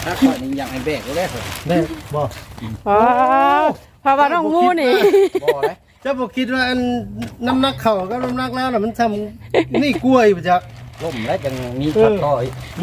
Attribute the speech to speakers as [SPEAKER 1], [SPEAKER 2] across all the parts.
[SPEAKER 1] ถ้าข้อนี้อยากให้แบกก็ได้เหรอ
[SPEAKER 2] ได้บ่
[SPEAKER 3] อ๋อเพราะว่าน้องงูนี่
[SPEAKER 1] บ่เลย
[SPEAKER 2] จะบ่คิดว่าอันน้ำหนักเข่ากับน้ำหนักแล้วน่ะมันทำนี่กล้วยบ่จ๊ะ
[SPEAKER 1] ล่มแล้วจังมีขัดต่ออีก
[SPEAKER 2] บ่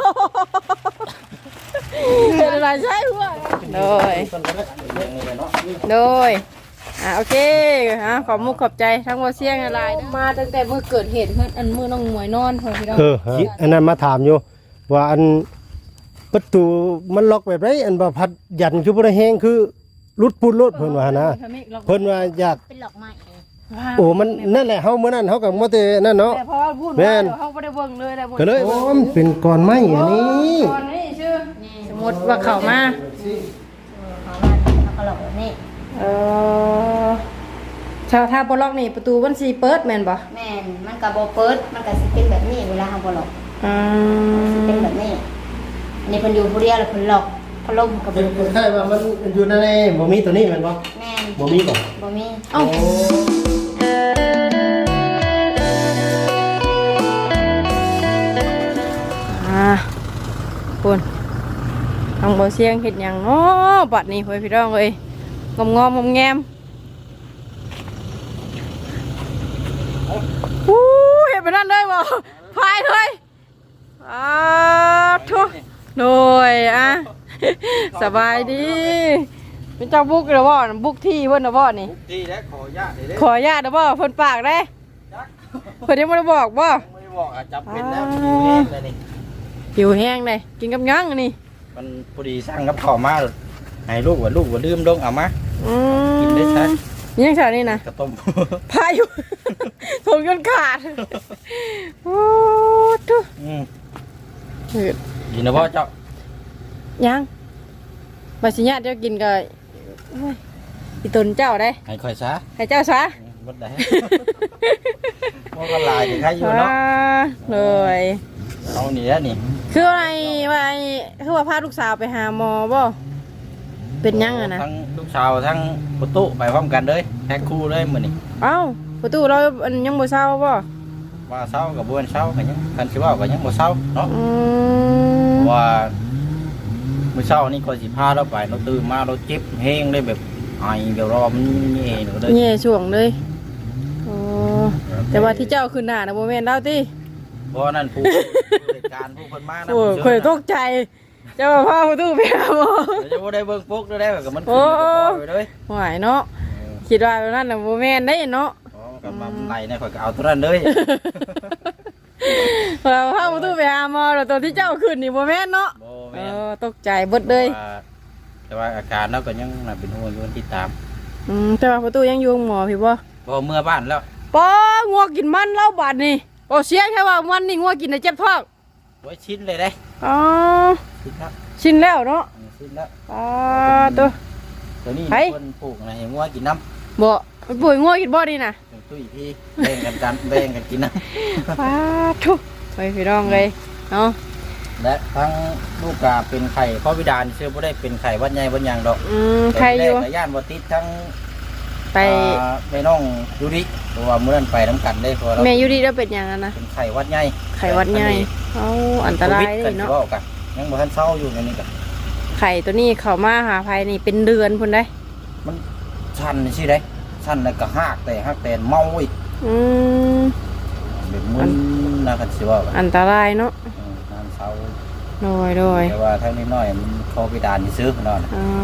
[SPEAKER 3] เป็นอะไรใช่หัวโดย
[SPEAKER 1] อย่างนี้เลยเนาะ
[SPEAKER 3] โดยโอเคขอบมุกขอบใจทั้งว่าเสียงอะไรมาตั้งแต่เมื่อเกิดเหตุเพื่อนอันมือน้องหมวยนอนพี่น้อง
[SPEAKER 2] อันนั้นมาถามอยู่ว่าอันประตูมันล็อกแบบไรอันว่าพัดยันคือบ่ได้แฮงคือรุดปุดรถเพิ่นว่านะเพิ่นว่าอยาก
[SPEAKER 4] เป็นหลอกไม้
[SPEAKER 2] โอ้มันนั่นแหละเฮามื้อนั้นเฮาก็บ่ได้นั่นเนาะ
[SPEAKER 3] แต่พอพูดว่าเขาไม่ได้เบิ่งเลยได้หมด
[SPEAKER 2] ก็เลยโอ้มันเป็นก้อนไม้อันนี้
[SPEAKER 3] ตอนนี้ชื่อสมมติว่าเขามา
[SPEAKER 4] เขาว่าเขาก็หลอกแบบนี้
[SPEAKER 3] ชาวท่าบล็อกนี่ประตูบัญชีเปิดแม่นบ่
[SPEAKER 4] แม่นมันกับโบเปิดมันกับสิเป็นแบบนี้เวลาเขาบ่หลอกสิเป็นแบบนี้อันนี้เพิ่นอยู่ผู้เดียวแล้วเพิ่นหลอกพัดลมกับ
[SPEAKER 2] เป็น
[SPEAKER 4] เพิ่น
[SPEAKER 2] ใช่ว่ามันอยู่ในบ่มีตัวนี้แม่นบ่
[SPEAKER 4] แม่น
[SPEAKER 2] บ่มีบ่
[SPEAKER 4] บ่มี
[SPEAKER 3] เอ้าคุณทางบ่เสียงเห็ดหยังเนาะบัดนี้เฮ้ยพี่น้องเอ้ยงอมแงมเห็นไปนั่นเลยบ่พายเลยทุกโดยสบายดีเป็นเจ้าบุกหรือบ่บุกที่เพิ่นหรือบ่นี่
[SPEAKER 1] ดีแล้วขอญาติเลย
[SPEAKER 3] ขออนุญาตหรือบ่เพิ่นปากได้เพิ่นยังบ่ได้บอกบ่
[SPEAKER 1] ไม่ได้บอกจับเป็นแล้วอยู่เองเลยนี่
[SPEAKER 3] หิวแห้งเลยกินกับยังอันนี้
[SPEAKER 1] มันพอดีสร้างกับข้าวมาให้ลูกว่าลืมลงเอามากินได้ใช่
[SPEAKER 3] ยังใช่นี่นะ
[SPEAKER 1] กระต้ม
[SPEAKER 3] พายุถงจนขาดโอ้ทุก
[SPEAKER 1] กินนะพ่อเจ้า
[SPEAKER 3] ยังบาสิญาติเจ้ากินก็อีตนเจ้าได้
[SPEAKER 1] ให้คอยซะ
[SPEAKER 3] ให้เจ้าซะ
[SPEAKER 1] บดได้พ่อก็ลายใครอยู่เนาะ
[SPEAKER 3] เลย
[SPEAKER 1] เอานี่แล้วนี่
[SPEAKER 3] คืออะไรว่าคือว่าพาลูกสาวไปหาหมอบ่เป็นยังอะนะ
[SPEAKER 1] ทั้งลูกสาวทั้งประตูไปพร้อมกันเลยแพ็คคู่เลยมื้อนี้
[SPEAKER 3] เอ้าประตูเรายังบ่เศร้าบ่
[SPEAKER 1] ว่าเช้ากับบ่เช้ากันยังกันสิว่ากันยังบ่เช้าเนาะ
[SPEAKER 3] ม
[SPEAKER 1] ว่ามื้อเช้านี่ก็สิพาเราไปเราตื่นมาเราเจ็บแห้งเลยแบบไอเดี๋ยวรอมันแย่เลย
[SPEAKER 3] แย่ช่วงเลยโอ้แต่ว่าที่เจ้าขึ้นหน้านะโมเมนต์เล่าติ
[SPEAKER 1] เพราะนั่นผู้เหตุการณ์ผู้คนมานะ
[SPEAKER 3] โอ้ยข่อยตกใจเจ้าพ่อประตูไปหาหมอ
[SPEAKER 1] จะบ่ได้เบิ่งปุ๊กได้แบบมันขึ้นไปเลย
[SPEAKER 3] หวายเนาะคิดว่าแบบนั้นน่ะโมเมนต์ได้เนาะ
[SPEAKER 1] อ๋อกับมาไหลเนี่ยข่อยก็เอาตัวนั้นเลย
[SPEAKER 3] เราพ่อประตูไปหาหมอแล้วตัวที่เจ้าขึ้นนี่โมเมนต์เนาะ
[SPEAKER 1] บ่แม่น
[SPEAKER 3] ตกใจเบิดเลย
[SPEAKER 1] แต่ว่าอาการเราก็ยังน่าเป็นห่วงอยู่ที่ตาม
[SPEAKER 3] แต่ว่าประตูยังอยู่หมอพี่บ่
[SPEAKER 1] พอเมื่อบ้านแล้ว
[SPEAKER 3] ป้องัวกินมันเล่าบาดนี่โอ้เสียแค่ว่ามันนี่งัวกินได้เจ็บท้อง
[SPEAKER 1] ไว้ชิ้นเลยได้
[SPEAKER 3] อ๋อ
[SPEAKER 1] ชิ้นครับ
[SPEAKER 3] ชินแล้วเนาะ
[SPEAKER 1] ชิ้นแล้ว
[SPEAKER 3] ตัว
[SPEAKER 1] ตัวนี้
[SPEAKER 3] ไผ
[SPEAKER 1] คนปลูกนะเห็นว่ากินน้ำ
[SPEAKER 3] บ่มันป่วยงัวกินบ่ดีน่ะ
[SPEAKER 1] ตุ้ยพี่แบ่งกันกินน้
[SPEAKER 3] ป้าทุกไปพี่น้องเลยเนาะ
[SPEAKER 1] ำและทั้งลูกกาเป็นไข่ข้อวิดานเชื่อว่าได้เป็นไข่วัดใหญ่วัดยางดอก
[SPEAKER 3] ใครอยู่
[SPEAKER 1] แต่ย่านวัดติดทั้ง
[SPEAKER 3] ไป
[SPEAKER 1] ไปน้องยูริตัวเมื่อนั้นไปน้ำกันได้พอเรา
[SPEAKER 3] แม่อยู่ดีแล้วเป็นอย่างนั้นนะ
[SPEAKER 1] เป็นไข่วัดใหญ่
[SPEAKER 3] ไข่หวัดใหญ่เอาอันตรายเลยเนาะ
[SPEAKER 1] โควิดกันยังบ่ทันเศร้าอยู่ในนี้กัน
[SPEAKER 3] ไข่ตัวนี้เข้ามาหาภัยนี่เป็นเดือนพุ่นได้
[SPEAKER 1] มันชันใช่ไหมชันแล้วก็หักแต่เมาอีก
[SPEAKER 3] อืม
[SPEAKER 1] แบบมึนนะกันสิว่ากัน
[SPEAKER 3] อันตรายเนาะ
[SPEAKER 1] น้ำเศร้า
[SPEAKER 3] โดยโดย
[SPEAKER 1] แต่ว่าทั้งนี้น้อยมันโควิดานที่ซื้อนั่น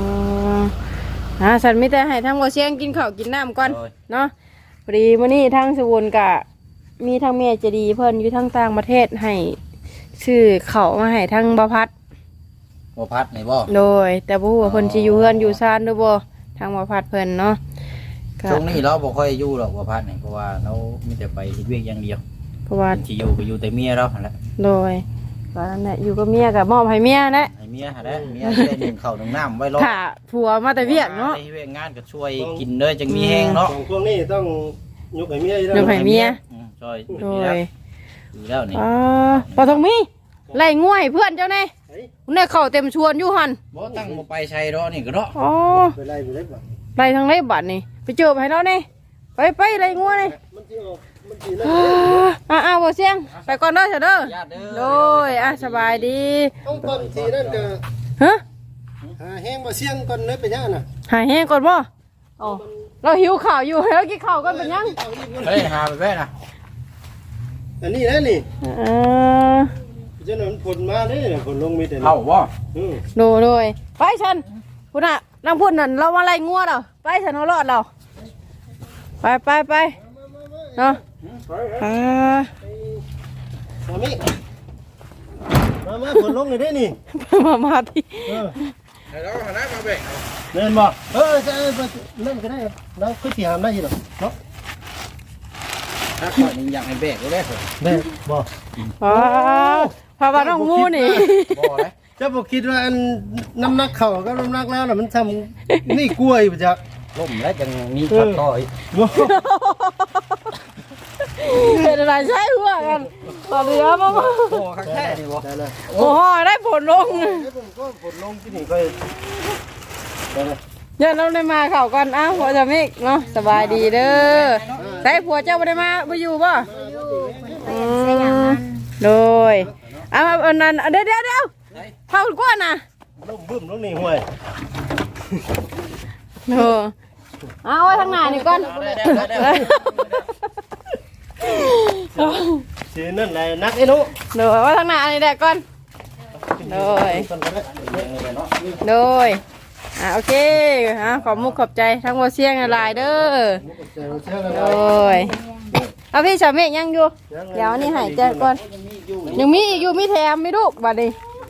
[SPEAKER 3] สันมิแต่ให้ทั้งบ่เชียงกินข้าวกินน้ำก่อน
[SPEAKER 1] โดย
[SPEAKER 3] เนาะพอดีมื้อนี้ทั้งสวุนกะมีทั้งแม่ใจะดีเพิ่นอยู่ทั้งต่างประเทศให้ชื่อเขามาให้ทั้งบ่พัด
[SPEAKER 1] บ่พัดนี่บ่
[SPEAKER 3] โดย แต่บ่ฮู้ว่าเพิ่นสิอยู่เฮือนอยู่ซ่านหรือบ่ทางบ่พัดเพิ่นเนาะก็
[SPEAKER 1] ช่วงนี้เราบ่ค่อยอยู่หรอกบ่พัดนี่เพราะว่าเรามีแต่ไปเฮ็ดเวียกอย่างเดียว
[SPEAKER 3] เพราะว่า
[SPEAKER 1] สิอยู่ก็อยู่แต่เมียเราหั่นแหละ
[SPEAKER 3] โดยก็นั่นแหละอยู่กับเมียก็มอบให้เมียนะ
[SPEAKER 1] ให้เมียหั่นแหละเมียสิได้นึ่งข้าวนึ่งน้ำไว้รอ
[SPEAKER 3] ค่ะผัวมาแต่เวียกเนาะ
[SPEAKER 1] ได้เวียกงานก็ช่วยกินเด้อจังมีแห้งเนาะ
[SPEAKER 2] ของพวกนี้ต้องยกให้เมียอยู่แล้ว
[SPEAKER 3] เดี๋ยวให้เมีย
[SPEAKER 1] ช่วย
[SPEAKER 3] โด
[SPEAKER 1] ดี
[SPEAKER 3] ย
[SPEAKER 1] แล้วนี่
[SPEAKER 3] ปทองมีไล่ง่วยเพื่อนเจ้าแน่แน่เข้าเต็มชวนอยู่หั่น
[SPEAKER 1] บ่ตั้งบ่ไปใช้ดอกนี่ก็เนาะ
[SPEAKER 3] อ๋อ
[SPEAKER 2] ไปไล่ไปได้บ่
[SPEAKER 3] ไล่ทางไหนบัดนี่ไปเจอให้เรานี่ไปไล่ง่วยนี่
[SPEAKER 2] มันสิออกมันสินั่น
[SPEAKER 3] บ่เสียงไปก่อนเด้อเถอะเด้อ
[SPEAKER 1] ญาติเด้อ
[SPEAKER 3] โดยสบายดี
[SPEAKER 2] ต้องก่อนทีนั่นก็
[SPEAKER 3] ฮะ
[SPEAKER 2] แห้งบ่เสียงก่อนเลยเป็นยังน่ะ
[SPEAKER 3] หายแห้งก่อนบ่อ๋อเราหิวข้าวอยู่แล้วกินข้าวก่อนเป็นยัง
[SPEAKER 1] เฮ้ยหาไปแม่นะ
[SPEAKER 2] อันนี้นะนี่
[SPEAKER 3] อ
[SPEAKER 2] จะนอนผลมาเด้ผลลงมีแต่
[SPEAKER 1] เอาบ่
[SPEAKER 3] ดูด้วยไปฉันพุ่นน่ะนางพุ่นนั่นเรามาไล่งัวเราไปฉันเอารอดเราไปเนาะอ่า
[SPEAKER 2] มาผลลงเลยได้นี่
[SPEAKER 3] มาที่
[SPEAKER 1] แล้วหาได้มาแบ่ง
[SPEAKER 2] เล่นบ่จะเล่นก็ได้แล้วคือสิหามได้อยู่หรอเนาะ
[SPEAKER 1] ถ้าขอนี่อยากให้แบกก็ได้ผม
[SPEAKER 2] ได้บ่
[SPEAKER 3] พาว่าน้องงูนี่
[SPEAKER 1] บ่เลย
[SPEAKER 2] จะบอกคิดว่าอันน้ำหนักเข่าก็น้ำหนักแล้วน่ะมันทำนี่กล้วยปะจ๊ะ
[SPEAKER 1] ล่มแล้วจังมีขัดต่อย
[SPEAKER 3] เป็นอะไรใช่หัวกันต่อเรือมา
[SPEAKER 1] โอ้ข้างแท้นี่บ่
[SPEAKER 2] ได้เลย
[SPEAKER 3] โอ้โหได้ผลลง
[SPEAKER 2] ผมก็ผลลงที่นี่ก็ได้เลย
[SPEAKER 3] อย่าเราได้มาเข่าก่อนอ้าวผัวจะมิกเนาะสบายดีเด้อใส่ผัวเจ้าไม่ได้มาไม่อยู่ป่ะโดยเอาอันนั้นเดี๋ยวเผาก้อนนะ
[SPEAKER 2] ล้มบึ้มลงนี่ห่วย
[SPEAKER 3] โอ้เอาไว้ทางหน้านี่ก่อน
[SPEAKER 2] สีนั่นแหละนักไอ้หนู
[SPEAKER 3] โดยไว้ทางหน้านี่แหละก่อนโดยโอเคขอบมุกขอบใจทั้งวัวเสียงหลายเด้อโดยเอาพี่ชาวเมฆยังอยู่เดี๋ยวนี่หายใจก่อนยังมีอีกอยู่มีแถมมีลูกบัดนี้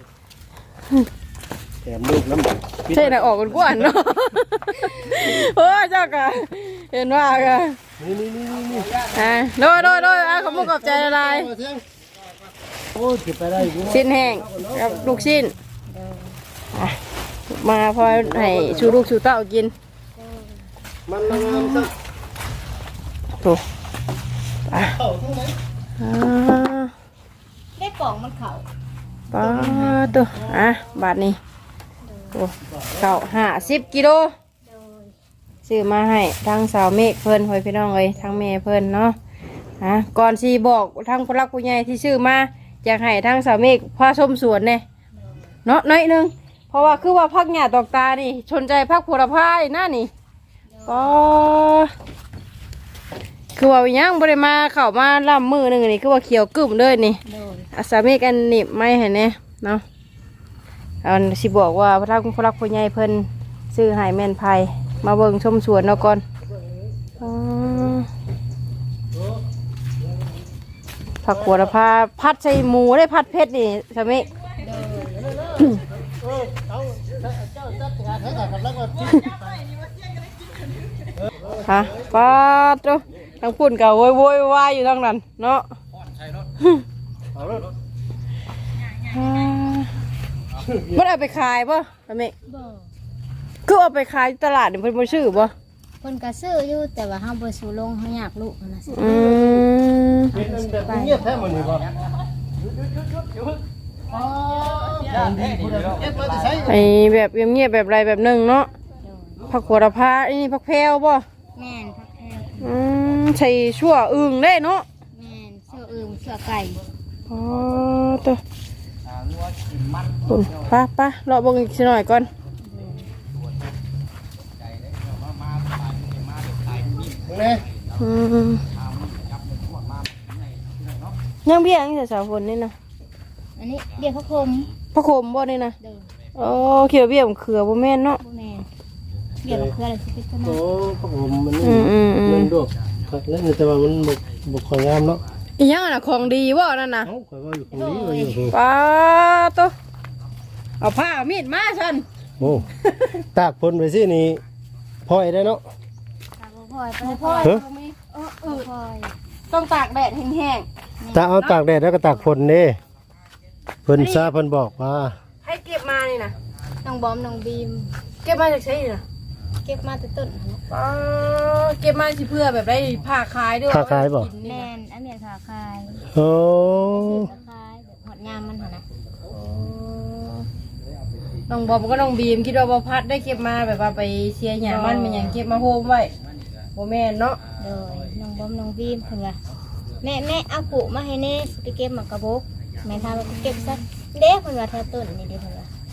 [SPEAKER 2] แถมลูกน้ำ
[SPEAKER 3] ใช่นะออกกันกวนเนาะโอ้เจ้ากะเห็นว่ากะ
[SPEAKER 2] นี่
[SPEAKER 3] โดยขอบมุกขอบใจหลาย
[SPEAKER 2] โอ้ยไปได้กู
[SPEAKER 3] ชิ้นแห้งกับลูกชิ้นมาพอให้ชูลูกชูเต้ากิน
[SPEAKER 2] มันงามสัก
[SPEAKER 3] ถูก
[SPEAKER 2] เข้าตรงไหน
[SPEAKER 4] ได้กล่องมันเข่า
[SPEAKER 3] ป้าตัวบาทนี้โอ้เข่า50 กิโลซื้อมาให้ทางสาวเมฆเพิ่นหอยพี่น้องเลยทางแม่เพิ่นเนาะก่อนสีบอกทางผู้รักผู้ใหญ่ที่ซื้อมาอยากให้ทางสาวเมฆพาชมสวนเนี่ยเนาะน้อยนึงเพราะว่าคือว่าพักหญ้าตอกตานี่ชนใจพักผลพายหน้านี่ก็คือว่ายังบริมาเข้ามาล่ำมือหนึ่งนี่คือว่าเขียวกึ่มเลยนี่อาสาเมกันหนีบไม่เห็นเนี่ยเนาะอันสิบอกว่าพระทักพระรักผู้ใหญ่เพิ่นซื้อให้แม่นไผ่มาเบิ่งชมสวนเนาะก่อนผักหัวละพาพัดใส่หมูได้พัดเพชรนี่สามีฮะป้าตัวทางปุ่นกับโวยวายอยู่ทางนั้นเนาะมันเอาไปขายป่ะสามีคือเอาไปขายตลาดเนี่ยเพิ่นบ่ซื้อป่ะ
[SPEAKER 4] คนก็ซื้ออยู่แต่ว่าเฮาบ่สู้ลงเฮาอยากลูกนะสิ
[SPEAKER 2] เงียบแท้หมดเลยป่ะ
[SPEAKER 3] ไอแบบเงียบๆแบบไรแบบหนึ่งเนาะผักหัวละพาอันนี้ผักแพรวป่ะ
[SPEAKER 4] แม่นพักแท้
[SPEAKER 3] ใส่ชั่วอึ่งได้เนาะ
[SPEAKER 4] แม่นเสื้ออึมเสื้อไก่
[SPEAKER 3] อ๋อตัวป้าเลาะเบิ่งอีกสักหน่อยก่อนยังเบี้ยยังแต่สาวคนนี่นะ
[SPEAKER 4] อันนี้เรียกพระพรหม
[SPEAKER 3] พระโคมบ่นี่นะ
[SPEAKER 4] เด้อ
[SPEAKER 3] อ๋อเขียวเบี้ยมเขือบ่แม่นเนาะ
[SPEAKER 4] บ่แม่นเรียกว่าคืออะไรสิเป็นต้น
[SPEAKER 2] โอ้ผมมัน
[SPEAKER 3] มัน
[SPEAKER 2] ดกแล้วแต่ว่ามันบกของงามเนาะ
[SPEAKER 3] อีหยังน่ะของดีบ่นั่นน่ะ
[SPEAKER 2] เอ้าข่อยว่าอยู่ตรงนี้ว่าอยู่
[SPEAKER 3] ป้าตัวเอาผ้าเอามีดมาฉัน
[SPEAKER 2] โอ้ตากพ้นไปสินี่พอยได้เนาะ
[SPEAKER 4] พลอยไปพ
[SPEAKER 2] เฮ้ย
[SPEAKER 4] ลอย
[SPEAKER 3] ต้องตากแดดแห้ง
[SPEAKER 2] ถ้าเอาตากแดดแล้วก็ตากฝนเด้เพิ่นซาเพิ่นบอกว่า
[SPEAKER 3] ๆให้เก็บมานี่นะ
[SPEAKER 4] น้องบอมน้องบีม
[SPEAKER 3] เก็บมาจากใช้นี่นะ
[SPEAKER 4] เก็บมาแต่ต้น
[SPEAKER 3] เก็บมาสิเพื่อแบบได้ผ้าขายด้วย
[SPEAKER 2] ค้าขายบ่
[SPEAKER 4] แม่นอันเนี้ยขาคาย
[SPEAKER 2] โอ้
[SPEAKER 4] ขาคายแบบหอดงามมันหั่นน่ะ
[SPEAKER 3] น้องบอมก็น้องบีมคิดว่าบ่พัดได้เก็บมาแบบว่าไปเสียหยามันเป็นอย่างเก็บมาโฮมไว้บ่แม่นเนาะ
[SPEAKER 4] โดยน้องบอมน้องบีมเพิ่นว่าแม่เอากุมาให้แน่สิไปเก็บหมากกระบกแม่ทาว่าเก็บซะเด้เพิ่นว่าแถวต้นนี่เด้เพิ่นว่า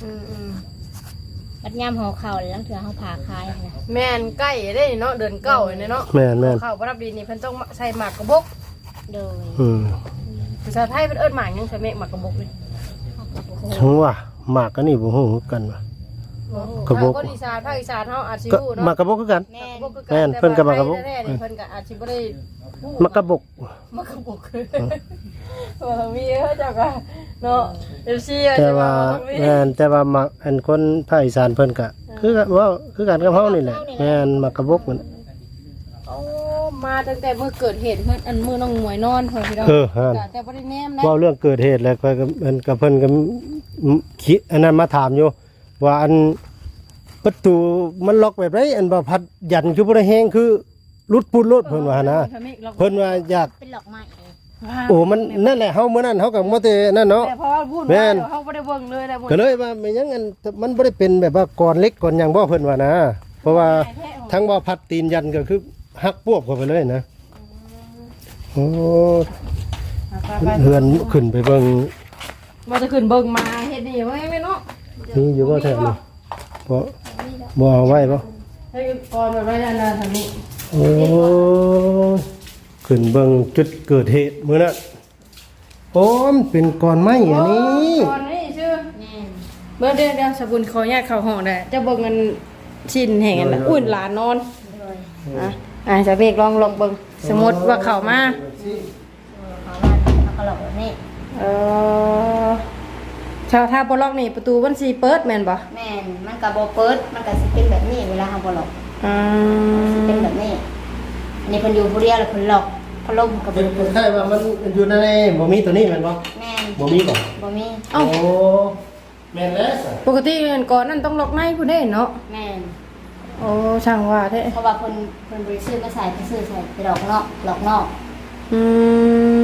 [SPEAKER 4] บัดยามห่อข้าวแล้วเถื่อเฮาผ่าคายนะ
[SPEAKER 3] แม่นใกล้ได้เนาะเดือนเก้าเนี่ยเนาะ
[SPEAKER 2] แม่น
[SPEAKER 3] ข้าวบ่รับดีนี่เพิ่นต้องใส่หมากกระบก
[SPEAKER 4] โดย
[SPEAKER 3] ภาษาไทยเพิ่นเอิ้นหมากหยังใส่แม่หมากกระบกนี่
[SPEAKER 2] ถึงว่าหมากก็นี่บ่ฮู้คือกันว่ะ กระบก
[SPEAKER 3] คนอีสานภาคอีสานเฮาอาจสิ
[SPEAKER 2] ก็
[SPEAKER 3] รู้
[SPEAKER 2] หมาก
[SPEAKER 3] เนาะ
[SPEAKER 2] กระบอกคือกัน
[SPEAKER 4] แม่
[SPEAKER 3] กระบกคือ
[SPEAKER 2] แม่นเพิ่นก็หมากกระบก
[SPEAKER 3] แท้ๆนี่เพิ่นก็อาจสิบ่ได้รู้
[SPEAKER 2] หมากกระบอก
[SPEAKER 3] หมากกระบกคือว่ามีเฮาเจ้าก็เนาะ FC
[SPEAKER 2] แต่ว่าแม่นแต่ว่าหมากอันคนภาคอีสานเพิ่นก็คือกันว่าคือกันกับเฮานี่แหละแม่นหมากกระบอกมัน
[SPEAKER 3] โอ้มาตั้งแต่มื้อเกิดเหตุเพิ่นอันมื้อน้องหมวยนอนเพิ่นพี่น้อง
[SPEAKER 2] หั่น
[SPEAKER 3] แต่บ่ได้แนมนะ
[SPEAKER 2] เว้าเรื่องเกิดเหตุแล้วก็เพิ่นก็คิดอันนั้นมาถามอยู่ว่าอันประตูมันล็อกแบบไรอันบ่พัดยันคือบ่ได้แฮงคือรุดปุดรถเพิ่นว่านะเพิ่นว่าอยาก
[SPEAKER 4] เป็นหลอกไม้
[SPEAKER 2] โอ้มันนั่นแหละเฮามื้อนั้นเฮาก็บ่ได้นั่นเนาะ
[SPEAKER 3] แต่พอพูด
[SPEAKER 2] แม่
[SPEAKER 3] ว่าน เฮาบ่ได้เบิ่งเลยนะบ่
[SPEAKER 2] ก็เลยว่าไม่หยังอันมันบ่ได้เป็นแบบว่าก่อนเล็กก่อนหยังบ่เพิ่นว่านะ เพราะว่าทั้งบ่พัดตีนยันก็คือหักปวบเข้าไปเลยนะโอ้เฮือนขึ้นไปเบิ่ง
[SPEAKER 3] บ่จะขึ้นเบิ่งมาเฮ็ดนี่ว่าแม่เนาะ
[SPEAKER 2] นี่อยู่บ่แท้นี่บ่เอาไว้บ่
[SPEAKER 3] ให้ก่อนแบบนั้นนะทางนี้
[SPEAKER 2] โอ้ขึ้นเบิ่งจุดเกิดเหตุมื้อนั้นโอ้มันเป็นก้อนไม้อันนี้
[SPEAKER 3] ก่อนนี่ชื่อ
[SPEAKER 4] แม่
[SPEAKER 3] เบิ่งเดี๋ยวสบุญขออนุญาตเข้าห้องได้จะเบิ่งกันชิ้นแห่งอันน่ะอุ่นหลานนอน
[SPEAKER 4] โดย
[SPEAKER 3] จะเบกลองเบิ่งสมมุติว่าเข้ามา
[SPEAKER 4] เขาว่าเขาก็หลอกแบบนี้
[SPEAKER 3] เออถ้าบ่ล็อกนี่ประตูมันสิเปิดแม่นบ่
[SPEAKER 4] แม่นมันก็บ่เปิดมันก็สิเป็นแบบนี้เวลาเฮาบ่หลอก
[SPEAKER 3] อืม
[SPEAKER 4] สิเป็นแบบนี้อันนี้เพิ่นอยู่ผู้เดียวแล้วเพิ่นหลอกพัดลมก็
[SPEAKER 2] เป็
[SPEAKER 4] บ่
[SPEAKER 2] น
[SPEAKER 4] เปิด
[SPEAKER 2] ใช่ว่ามันอยู่ในบ่มีตัวนี้แม่นบ่
[SPEAKER 4] แม่น
[SPEAKER 2] บ่มีบ่
[SPEAKER 4] บ่มี
[SPEAKER 2] โอ้แม่นแล้วสิ
[SPEAKER 3] ปกติเงินก่อนนั่นต้องล็อกในผู้ใดเนาะ
[SPEAKER 4] แม่น
[SPEAKER 3] โอ้ช่างว่าแท้
[SPEAKER 4] เพราะว่าเพิ่นบ่ได้ซื้อมาใส่เพิ่นซื้อใส่ไปดอกนอกหลอกนอก
[SPEAKER 3] อืม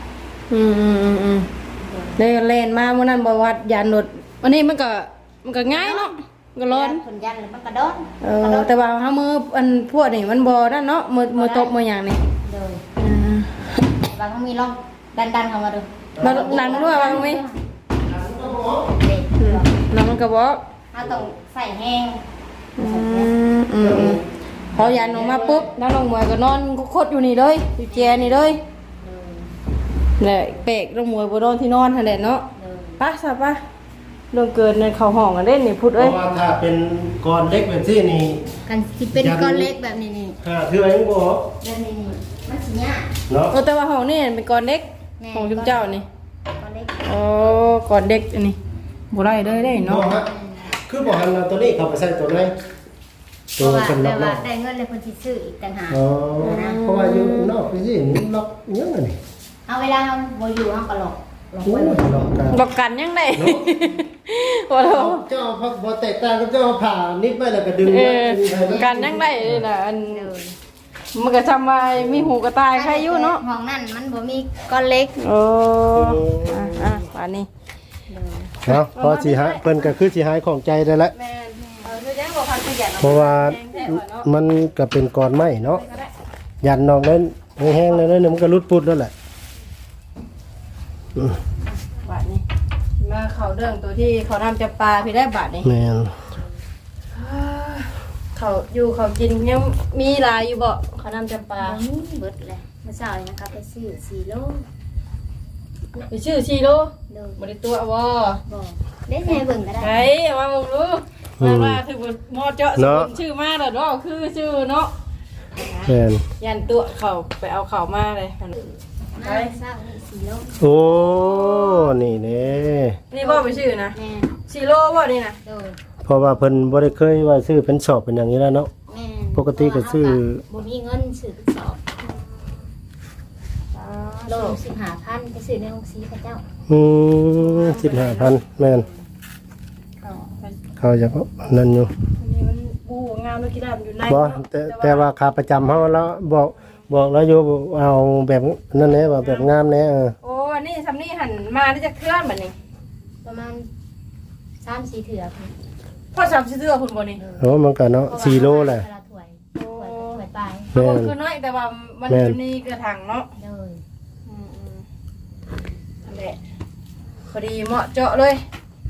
[SPEAKER 3] เลยเล่นมาเมื่อนั้นบวัดยานหนดวันนี้มันก็ง่ายเนาะมันก็ร้อน
[SPEAKER 4] เพิ่นยันแล้วมันก็โดน
[SPEAKER 3] แต่ว่าเฮามืออันพวกนี่มันบ่นั่นเนาะมือตบมือหยังนี่
[SPEAKER 4] โดยบางเขามีร่องดันเข้ามาดู
[SPEAKER 3] มาดันด้วยว่ามี
[SPEAKER 4] เด็ก
[SPEAKER 3] แล้วมันก็บอก
[SPEAKER 4] เฮาต้องใส่แห้ง
[SPEAKER 3] พอยันออกมาปุ๊บน้าลงมวยก็นอนคดอยู่นี่เลยอยู่แจนี่เลยเลยเปกลงมวยบ่นอนที่นอนหั่นแหละเนาะป่ะซะป่ะเรื่องเกินในเข้าห้องกันเด้นี่พูด
[SPEAKER 2] เพ
[SPEAKER 3] เอ้ย
[SPEAKER 2] ราะว่าถ้าเป็นก้อนเล็กแบบที่นี่
[SPEAKER 4] กันสิเป็นก้อนเล็กแบบนี้นี่
[SPEAKER 2] คืออะไรยังบ่
[SPEAKER 4] แบบนี้นี่มันสิยาก
[SPEAKER 2] เนาะ
[SPEAKER 3] แต่ว่าห้องนี่เป็นก้อนเด็กของจุ๊บเจ้านี่
[SPEAKER 4] ก้อนเล็ก
[SPEAKER 3] อ๋อก่อนเด็กอันนี้บ่ได้เลยได้
[SPEAKER 2] บ่
[SPEAKER 3] เนาะ
[SPEAKER 2] ฮะคือบ่หันเอาตัวนี้เข้าไปใส่ตัวไหน
[SPEAKER 4] เพ
[SPEAKER 2] ตัว
[SPEAKER 4] ราะว่า
[SPEAKER 2] สำหรั
[SPEAKER 4] แต่
[SPEAKER 2] บ
[SPEAKER 4] ว่า
[SPEAKER 2] เนาะ
[SPEAKER 4] ได้เงินเลยคนสิซื้ออีกต่างหาก
[SPEAKER 2] อ๋อเพราะว่าอยู่นอกไปสิมันล็อกยังไงนี่
[SPEAKER 4] เอาเวลาเฮาบ่อยู่เฮาก็หลอก
[SPEAKER 2] โอ้ยล็อกกัน
[SPEAKER 3] บอกกันยังได้บ่รู้
[SPEAKER 2] เจ้าพักบ่แตกต่างกับเจ้าผ่านิดไปแล้วก็ดึง
[SPEAKER 3] กันยังได้นี่น่ะอันมันก็ทำว่ามีหูกระต่ายใครอยู่เนาะ
[SPEAKER 4] ห้องนั้นมันบ่มีก้อนเล็ก
[SPEAKER 3] โอ้ป่านนี้
[SPEAKER 2] เนาะพอสิหาเพิ่นก็คือสิหายของใจได้แล้ว
[SPEAKER 3] แม่คือยังบ่พันขยัน
[SPEAKER 2] เพราะว่ามันก็เป็นก้อนไม้เนาะยันนอกนั้นแห้งๆแล้วมันก็รุดปุดแล้วแหละ
[SPEAKER 3] บาทนี้มาเขาเรื่องตัวที่เขาทำจับปลาพี่ได้บาทนี้
[SPEAKER 2] แม่น
[SPEAKER 3] เขาอยู่เขากินยังมีหลายอยู่บ่เขาทำจับปลา
[SPEAKER 4] เบิดเลยเมื่อเช้านี่นะครับไปซื้อ4โล
[SPEAKER 3] ไปชื่อชีโร่
[SPEAKER 4] โดย
[SPEAKER 3] บ่ได้ตัวบ่
[SPEAKER 4] บอกได้แม่เบิ่งก็ได้
[SPEAKER 3] ไอ้มาบ่รู้นั่นว่าคือหมอเจาะสกุลชื่อมาแล้วเนาะคือชื่อเนาะ
[SPEAKER 2] แม่น
[SPEAKER 3] ยันตัวเขาไปเอาเขามาเลย
[SPEAKER 4] มาเช้านี่4โล
[SPEAKER 2] โอ้นี่แน่
[SPEAKER 3] นี่บ่ไปชื่อนะ
[SPEAKER 4] แม่
[SPEAKER 3] ชีโร่บ่นี่นะ
[SPEAKER 4] โดย
[SPEAKER 2] เพราะว่าเพิ่นบ่ได้เคยว่าซื้อเป็นสอบเป็นอย่างนี้แล้วเนาะ
[SPEAKER 4] แม่
[SPEAKER 2] ปกติก็ซื้อ
[SPEAKER 4] บ่มีเงินซื้อสอบโล15,000ไปซื้อในโรงสีพระเจ้า
[SPEAKER 2] 15,000แม่น
[SPEAKER 4] เขา
[SPEAKER 2] เขาจะนั่นอยู่
[SPEAKER 3] อันนี้มันบูงามเลยคิดว่ามันอยู่ใน
[SPEAKER 2] บ่แต่ว่าค่าประจำเฮาแล้วบอกแล้วอยู่เอาแบบนั่นแหละว่าแบบงามแน่
[SPEAKER 3] โอ้นี่ซำนี่หันมาได้จะเคลื่อนบัดนี้
[SPEAKER 4] ประมาณ3-4เถื่อค่ะ
[SPEAKER 3] พอ3สิเทื่อพุ่นบ่นี่
[SPEAKER 2] โอ้มันก็เนาะ4โลแหละ
[SPEAKER 4] ถ้วยปลาย
[SPEAKER 3] เขาบอกคือน้อยแต่ว่ามันอยู่ในกระถางเนาะ
[SPEAKER 4] เลย
[SPEAKER 3] นั่นแหละพอดีเหมาะเจาะเลย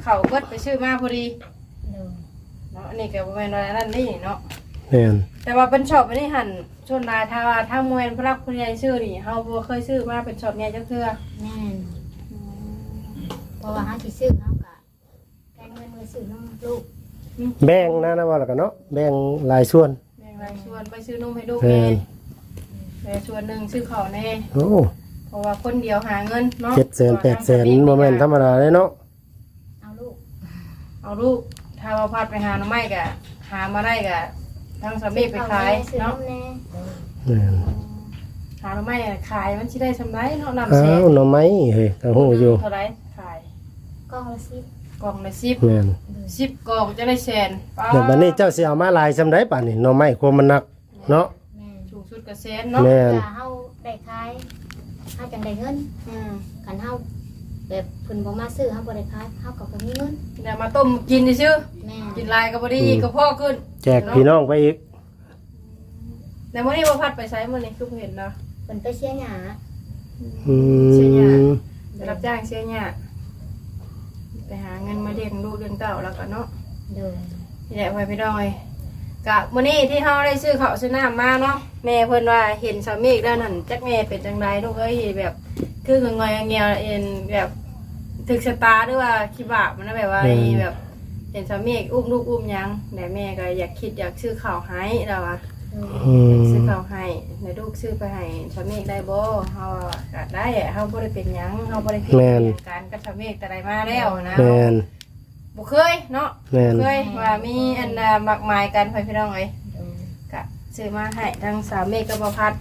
[SPEAKER 3] เขาเบิดไปซื้อมาพอดี
[SPEAKER 4] โดย
[SPEAKER 3] เนาะอันนี้ก็บ่แม่นว่านั่นนี่เนาะ
[SPEAKER 2] แม่น
[SPEAKER 3] แต่ว่าเป็นช็อปอันนี้หั่นชนลายถ้าว่าถ้ามวยพลักผู้ใหญ่ซื้อนี่เฮาบ่เคยซื้อมาเป็นช็อปใหญ่จักเทื่อ
[SPEAKER 4] แม่นเพราะว่าเฮาสิซื้อเฮาก็แกงเงินมือซื้อน้องลูก
[SPEAKER 2] แบ่งนะว่าแล้วกันเนาะแบ่งหลายส่วน
[SPEAKER 3] แบ่งรายส่วนไปซื้อนมให้ลูก
[SPEAKER 2] แม่
[SPEAKER 3] แน่
[SPEAKER 2] น
[SPEAKER 3] แต่ส่วนหนึงซื้อข้าวแน่
[SPEAKER 2] โอ้
[SPEAKER 3] เพราะว่าคนเดียวหาเงินเนาะ
[SPEAKER 2] 700,000 800,000บ่แม่นธรรมดาเลยเนาะ
[SPEAKER 4] เอาลูก
[SPEAKER 3] เอาลูกถ้าว่าพัดไปหาหน่อไม้ก็หามาได้ก็ทางสามีไปขาย
[SPEAKER 4] ซื้อ
[SPEAKER 3] เนาะ
[SPEAKER 4] น้ำแน่
[SPEAKER 2] แม่น
[SPEAKER 3] หาหน่อไม้ขายมันสิได้สำไรเนาะนำ
[SPEAKER 2] อ้า
[SPEAKER 3] แซ่
[SPEAKER 2] วหน่อไม้เฮ้ยตาหูอยู่
[SPEAKER 3] เท่าไหร่ขาย
[SPEAKER 4] กล้องละ10
[SPEAKER 3] กล่องละ
[SPEAKER 2] แม่น
[SPEAKER 3] 10กล่องจะได้แสนป้า
[SPEAKER 2] แล้วบัดนี้เจ้าสิเอามาหลายซำใดป่านนี้หน่อไม้ความมันหนักเนาะ
[SPEAKER 4] แม่น
[SPEAKER 3] สูงสุดก็แสนเนาะ
[SPEAKER 2] แม่น
[SPEAKER 4] ถ้าเฮาได้ขายเฮาจังได้เงิน
[SPEAKER 3] อืม
[SPEAKER 4] คันเฮาแบบเพิ่นบ่มาซื้อเฮาบ่ได้ขายเฮาก็บ่มีเงิน
[SPEAKER 3] เดี๋ยวมาต้มกินซื่อ
[SPEAKER 4] แม่
[SPEAKER 3] กินลายก็บ่ได้อีกก็พอขึ้น
[SPEAKER 2] แจกพี่น้องไปอีก
[SPEAKER 3] แต่มื้อนี้บ่พัดไปไสมื้อนี้คือบ่เห็นเนาะ
[SPEAKER 4] เพิ่นไปเชียร์หญ้า
[SPEAKER 2] อืม
[SPEAKER 3] จะรับจ้างเสียหญ้าไปหาเงินมาเลี้ยงลูกเลี้ยงเต้าแล้วก็เนาะ
[SPEAKER 4] โดย
[SPEAKER 3] นี่แหละไปดอยกะมื้อนี้ที่เฮาได้ซื้อข้าวซื้อน้ำมาเนาะแม่เพิ่นว่าเห็นสามีแล้วนั่นจักแม่เป็นจังไดลูกเอ้ยแบบคืองอยๆเงียวๆเอ็นแบบถึกชะตาหรือว่าคิดบาปมันนะแบบว่าแบบเห็นสามีอุ้มลูกอุ้มหยังแต่แม่ก็อยากคิดอยากซื้อข้าวให้แล้วอ่ะ
[SPEAKER 2] อืม
[SPEAKER 3] ซื้อข้าวให้ในลูกซื้อไปให้สามีได้บ่เฮาก็ได้อะเฮาบ่ได้เป็นหยังเฮาบ่ได้ผิดการกับสามีแต่ใดมาแล้วนะ
[SPEAKER 2] แม่น
[SPEAKER 3] บ่เคยเนาะ
[SPEAKER 2] แม่น
[SPEAKER 3] เคยว่ามีอันน่ะมักหมายกันพี่น้องเอ้ย
[SPEAKER 4] โดย
[SPEAKER 3] กะซื้อมาให้ทั้งสามเมฆกับบ่พัด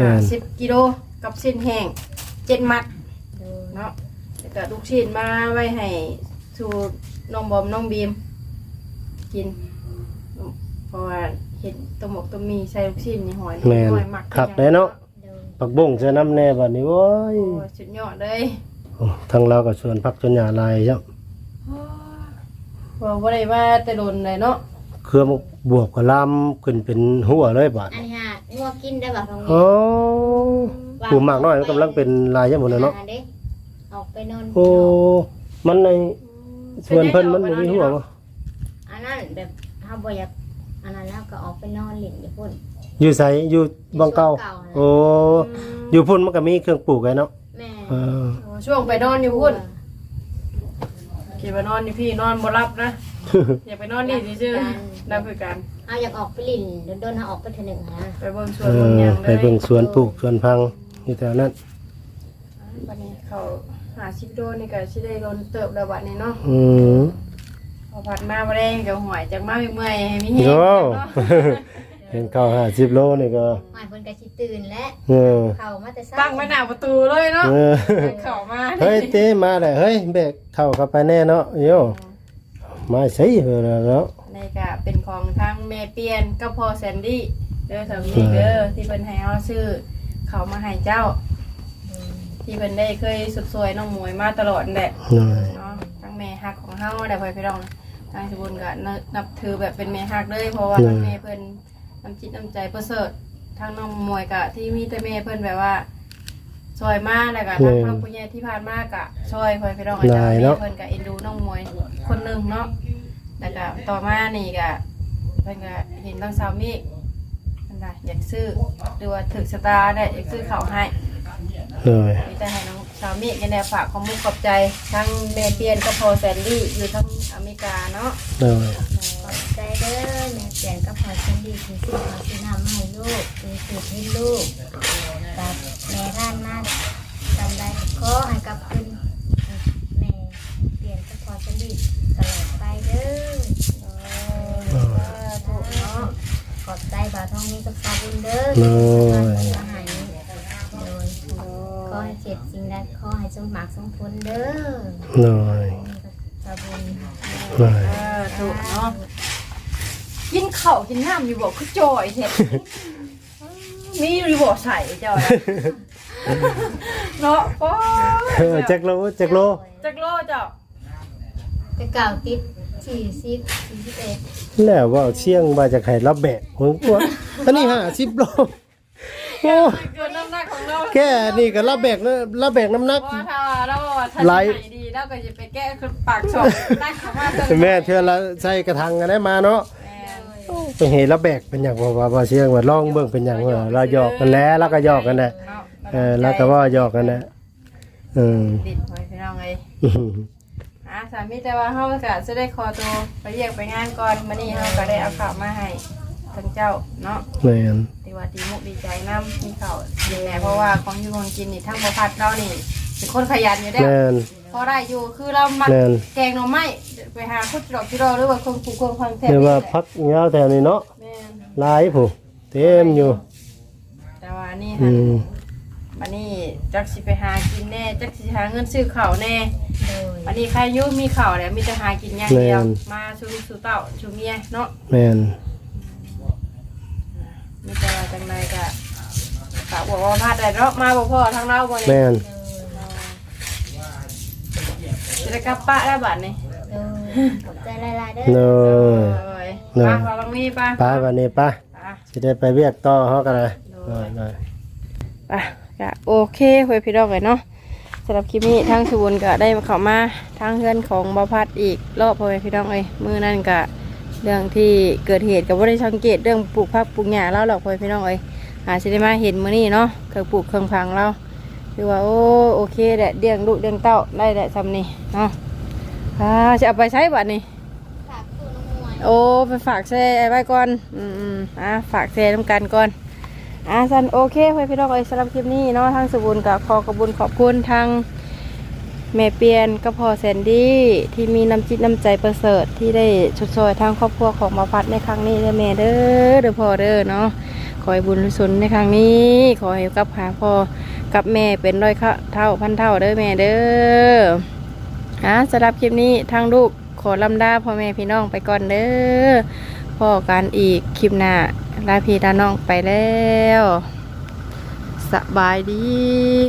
[SPEAKER 3] 10กิโลกับสิ้นแห้ง7มัด
[SPEAKER 4] โดย
[SPEAKER 3] เนาะแล้วก็ลูกชิ้นมาไว้ให้สู่น้องบอมน้องบีมกิน เพราะว่าเห็นตัวหมกตัวมีใส่ลูกชิ้นนี่หอย
[SPEAKER 2] แม่น
[SPEAKER 3] หอยหมัก
[SPEAKER 2] คักได้เนาะ
[SPEAKER 4] โดย
[SPEAKER 2] ปักบุ้งเสื้อน้ำแน่บัดนี้โว้ย
[SPEAKER 3] โอ้สุดยอดเลย
[SPEAKER 2] โอ้ทางเราก็ชวนพักชวนหญ้าลายจ้ะ
[SPEAKER 3] ว่าบ่ได้ว่าแต่โดนเลยเนาะ
[SPEAKER 2] เครือบวบก็ลามขึ้นเป็นหัวเลยบาด
[SPEAKER 4] อันนี้ฮะงัวกินได้บ่ตรงนี้
[SPEAKER 2] โอ้ผู้มากน้อยมันกำลังเป็นลายจังหมดเลยเนาะ
[SPEAKER 4] เด้ออกไปนอน
[SPEAKER 2] โอ้ มันในส่วนเพิ่นมันบ่มีหัวบ่
[SPEAKER 4] อันนั้นแบบเฮาบ่อยากอันนั้นแล้วก็ออกไปนอนเล่นอยู่พุ่น
[SPEAKER 2] อยู่ไสอยู่บังเก่าโอ้ อยู่พุ่นมันก็มีเครื่องปลูกไว้เนาะ
[SPEAKER 4] แม่
[SPEAKER 2] เออ
[SPEAKER 3] โอ้ช่วงไปนอนอยู่พุ่นคิดว่านอนอยู่พี่นอนบ่รับนะ อย่าไปนอนนี่ซื่อๆนั่นคือการ
[SPEAKER 4] เอาอยากออกไปเล่นโดนๆเฮาออกไปเทื่อหนึงนะ
[SPEAKER 3] ไปเบิ่งสว
[SPEAKER 2] เอน
[SPEAKER 3] เบิ่งห
[SPEAKER 2] อ
[SPEAKER 3] ยังเล
[SPEAKER 2] ไป
[SPEAKER 3] ย
[SPEAKER 2] เบิ่งสวนปลูกสวนพังอยู่แถวนั้น
[SPEAKER 3] วันนี้เขาหาชิปโดนี่ก็ชิได้โดนเติบแล้ววันนี้เนาะ
[SPEAKER 2] อืม
[SPEAKER 3] พอผัดมาบ่ได้กับหวยจากมาเมื่อยให้มีแฮง
[SPEAKER 2] โอ้
[SPEAKER 3] เนาะ
[SPEAKER 2] เห็นข้าว50 โลนี่ก็
[SPEAKER 4] หมายเพิ่นก็สิตื่นแล้ว
[SPEAKER 2] เออ
[SPEAKER 4] เข้ามาแต่เช้า
[SPEAKER 3] ตั้งไว้หน้าประตูเลยเนาะ
[SPEAKER 2] เออ
[SPEAKER 3] เข้ามา
[SPEAKER 2] เฮ้ยเต้มาเลยเฮ้ยแบกเข้าเข้าไปแน่เนาะโยมาใส่เพิ่นแล้ว
[SPEAKER 3] นี่ก็เป็นของทางแม่เปียนกับพ่อแซนดี้เด้อสามีเด้อที่เพิ่นให้เฮาซื้อเขามาให้เจ้า ที่เพิ่นได้เคยสุดสวยน้องหมวยมาตลอดนั่นแหละ
[SPEAKER 2] หน่อย
[SPEAKER 3] เนาะทั้งแม่ฮักของเฮาได้พ่อพี่น้องทางสบุญก็นับถือแบบเป็นแม่ฮักเลยเพราะว่าทั้งแม่เพิ่นน้ำจิตน้ำใจประเสริฐทางน้องหมวยก็ที่มีแต่แม่เพิ่นแบบว่าซอยมาแล้วก็ทางครอบครัวใหญ่ที่ผ่านมาก็ซอยพ่อพี่น้องอาจารย์แม่เพิ่นก็เอ็นดูน้องหมวยคนหนึงเนาะแล้วก็ต่อมานี่ก็เพิ่นก็เห็นทางสาวเมฆเพิ่นก็อยากซื้อหรือว่าถึกสตาร์ได้อยากซื้อข้าวให้
[SPEAKER 2] หน่อย
[SPEAKER 3] มีแต่ให้น้องสาวเมฆกันแนวฝากความมุกขอบใจทั้งแม่เปียนก็พอแซนดี้อยู่ทั้งอเมริกาเนาะ
[SPEAKER 2] หน่อย
[SPEAKER 4] ขอบใจเด้อแม่เปลี่ยนกับพ่อฉันดีที่ซื้อข้าวซื้อน้ำให้ลูกซื้อสูตรให้ลูกกับแม่ท่านมาจำได้ขอให้กับคุณแม่เปลี่ยนกับพ่อฉันดีตลอดไปเด้อ
[SPEAKER 3] ถูกเนาะ
[SPEAKER 4] ขอบใจบ่าวทองนี้กับสาบุญเด้อ
[SPEAKER 2] หน่อย
[SPEAKER 4] อาหารโดยขอให้เจ็บสิ่งใดขอให้สมหมักสมผลเด้อ
[SPEAKER 2] หน่อย
[SPEAKER 4] สาบุญ
[SPEAKER 2] หน่อย
[SPEAKER 3] ถูกเนาะกินข้าวกินน้ำอยู่บอกคือจอยเห็ดมีอยู่บอกใส่จอยเนาะป้อ
[SPEAKER 2] จักโลจักโล
[SPEAKER 3] จักโลเจ้า
[SPEAKER 4] จะกล่าวติด41
[SPEAKER 2] แล้วว่าเชียงว่าจะให้รับแบกหัวกลัวอันนี้50 โลโอ้
[SPEAKER 3] เกินน้ำหนักของเรา
[SPEAKER 2] แค่นี่ก็รับแบกนะรับแบกน้ำหนัก
[SPEAKER 3] ว่าถ้าเราทัน
[SPEAKER 2] ไหล
[SPEAKER 3] ดีแล้วก็จะไปแก้ปากช่องตั้งคำว่า
[SPEAKER 2] แม่เทื่อละใส่กระถางกันได้มาเนาะไปเห็นแล้วแบกเป็นอย่างว่าเสียงว่าลองเบิ่งเป็นอย่างว่าเราหยอกกันแล้วก็หยอกกันแหละแล้วก็ว่าหยอกกันแหละ
[SPEAKER 3] ดิดหอยพี่น้องเลยสามีแต่ว่าเฮาก็จะได้คอตัวไปเรียกไปงานก่อนมื้อนี้เฮาก็ได้เอาข้าวมาให้ทั้งเจ้าเนาะ
[SPEAKER 2] แม่น
[SPEAKER 3] ดีว่าดีมุกดีใจน้ำมีข้าวดีแน่เพราะว่าของอยู่ของกินนี่ทั้งบ่พัดเรานี่เป็นคนขยันอยู่แล้ว
[SPEAKER 2] แม่น
[SPEAKER 3] พอได้อยู่คือเรามัก
[SPEAKER 2] แม่น
[SPEAKER 3] แกงหน่อไม้ไปหาคุดดอกจิโร่หรือว่าคนปลูกคนพันแท้
[SPEAKER 2] เรียกว่าพักยาวแถวนี้เนาะ
[SPEAKER 3] แม่น
[SPEAKER 2] หลายผู้เต็มอยู่
[SPEAKER 3] แต่ว่านี่
[SPEAKER 2] อื
[SPEAKER 3] หั่น
[SPEAKER 2] ม
[SPEAKER 3] บัดนี้จักสิไปหากินแน่จักสิหาเงินซื้อข้าวแน่
[SPEAKER 4] โดย
[SPEAKER 3] บัดนี้ใครอยู่มีข้าวแล้วมีแต่หากินอย่างเดียวมาชูลูกชูเต้าชูเมียเนาะ
[SPEAKER 2] แม่น
[SPEAKER 3] มีแต่ว่าจังไดก็ฝากบอกว่าพาดได้เนาะมาบ่พอทางเราบ่นี่
[SPEAKER 2] แม่น
[SPEAKER 3] จะได้กลับป้าได้บัดนี้
[SPEAKER 4] โดยขอบใจหลายๆเด้อ
[SPEAKER 2] เนาะ
[SPEAKER 3] ป้าเรามีป้า
[SPEAKER 2] ป้าวันนี้ป้า
[SPEAKER 3] ป้า
[SPEAKER 2] สิได้ไปเวียกต่อเฮากันเลยได้
[SPEAKER 3] ป้าก็โอเคเพื่อนพี่น้องเลยเนาะสำหรับคลิปนี้ทางสุวรรณก็ได้เข้ามาทางเพื่อนของบ่พัดอีกรอบเพื่อนพี่น้องเลยมื้อนั้นก็เรื่องที่เกิดเหตุก็บ่ได้สังเกตเรื่องปลูกผักปลูกหญ้าแล้วหรอกเพื่อนพี่น้องเลยสิได้มาเห็นมื้อนี้เนาะเคยปลูกเครื่องพังเราคือว่าโอเคแหละเลี้ยงลูกเลี้ยงเต้าได้แหละทำนี่เนาะจะเอาไปใช้บัดนี้
[SPEAKER 4] ฝากตู้น้องมวย
[SPEAKER 3] โอ้ไปฝากแช่ไว้ก่อนฝากแช่น้ำกันก่อนสันโอเคเพื่อนพี่น้องเอ้ยสำหรับคลิปนี้เนาะทางสบุญกับขอกระบุญขอบคุณทางแม่เปียนก็พอแซนดี้ที่มีน้ำจิตน้ำใจประเสริฐที่ได้ชดเชยทางครอบครัวของมาพัดในครั้งนี้เด้อแม่เด้อพ่อเด้อเนาะขอให้บุญสุนในครั้งนี้ขอให้กับหาพ่อกับแม่เป็นร้อยเท่าพันเท่าเด้อแม่เด้อสำหรับคลิปนี้ทางลูกขอลำดาพ่อแม่พี่น้องไปก่อนเด้อพ่อกันอีกคลิปหน้าลาพี่ลาน้องไปแล้วสบายดี